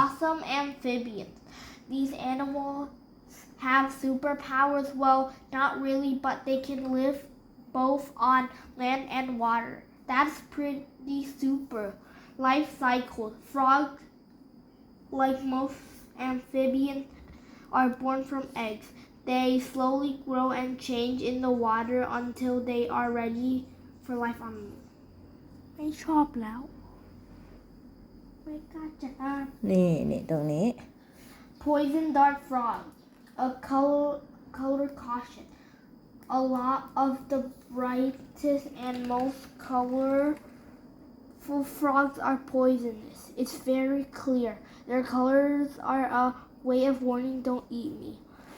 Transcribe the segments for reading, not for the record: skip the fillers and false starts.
awesome amphibians. These animals have superpowers. Well, not really, but they can live both on land and water. That's pretty super. Life cycle. Frogs, like most amphibians, are born from eggs. They slowly grow and change in the water until they are ready for life on land. ไม่ชอบแล้ว ไม่กล้าจะอ่านนี่ตรงนี้ Poison dart frog. A color caution. A lot of the brightest and most colorful frogs are poisonous. It's very clear. Their colors are a way of warning, don't eat me.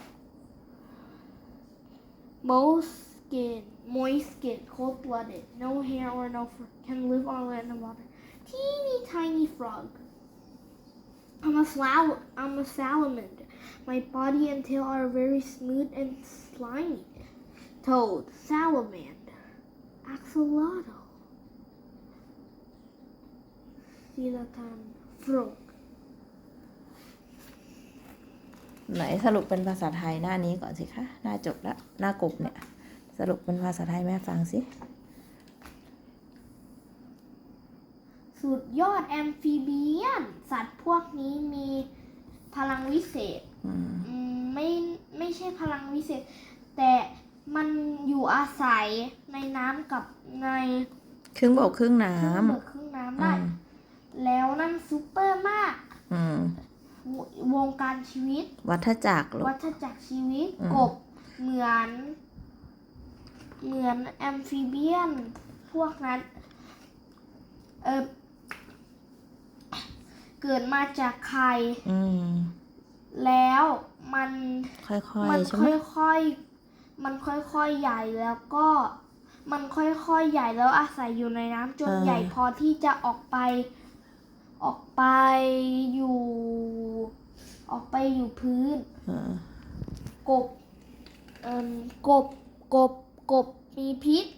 Moist skin, cold-blooded, no hair or no fur, can live on land and water. Teeny tiny frog. I'm a salamander. My body and tail are very smooth and slimy. Toad, salamander, axolotl, coelacan, frog. ไหนสรุปเป็นภาษาไทยหน้านี้ก่อนสิคะหน้าจบแล้วหน้ากบเนี่ยสรุปเป็นภาษาไทยแม่ฟังสิสุดยอดแอมฟิเบียนสัตว์พวกนี้มีพลังวิเศษไม่ใช่พลังวิเศษ แต่มันอยู่อาศัยในน้ำกับในครึ่งบกครึ่งน้ครึ่งน้ำได้แล้วนั่นซูเปอร์มากำวงการชีวิตวัฏจักรลูกวัฏจักรชีวิตกบเหมือนแอมฟิเบียนพวกนั้นเกิดมาจากไข่แล้วมันค่อยๆใช่ไหมมันค่อยๆใหญ่แล้วก็มันค่อยๆใหญ่แล้วอาศัยอยู่ในน้ำจนใหญ่พอที่จะออกไปอยู่พื้นกบมีพิษ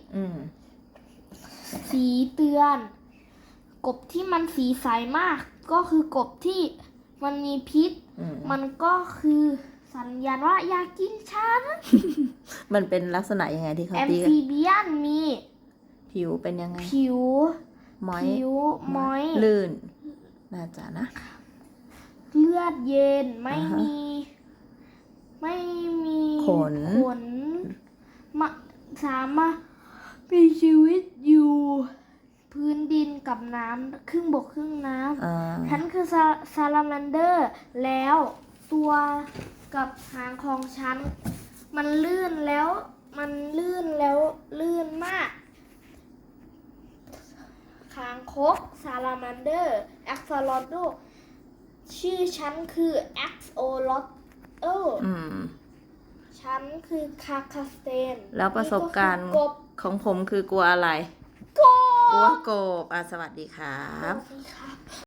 สีเตือนกบที่มันสีใสมากก็คือกบที่มันมีพิษมันก็คือสัญญาณว่าอยากกินฉันมันเป็นลักษณะยังไงที่เขาแอมตีกันฟิเบียนมีผิวเป็นยังไงผิวม้อยลื่นน่าจะนะเลือดเย็นไม่มีขนสามารถมีชีวิตอยู่พื้นดินกับน้ำครึ่งบกครึ่งน้ำฉันคือซาลาแมนเดอร์แล้วตัวกับหางของฉันมันลื่นแล้วลื่นมากคางคกซาลาแมนเดอร์แอ็กซ์โลโดชื่อฉันคือแอ็กซ์โอลอตฉันคือคาคาสเตนแล้วประสบการณ์ของผมคือกลัวอะไร กลัวกบสวัสดีครับ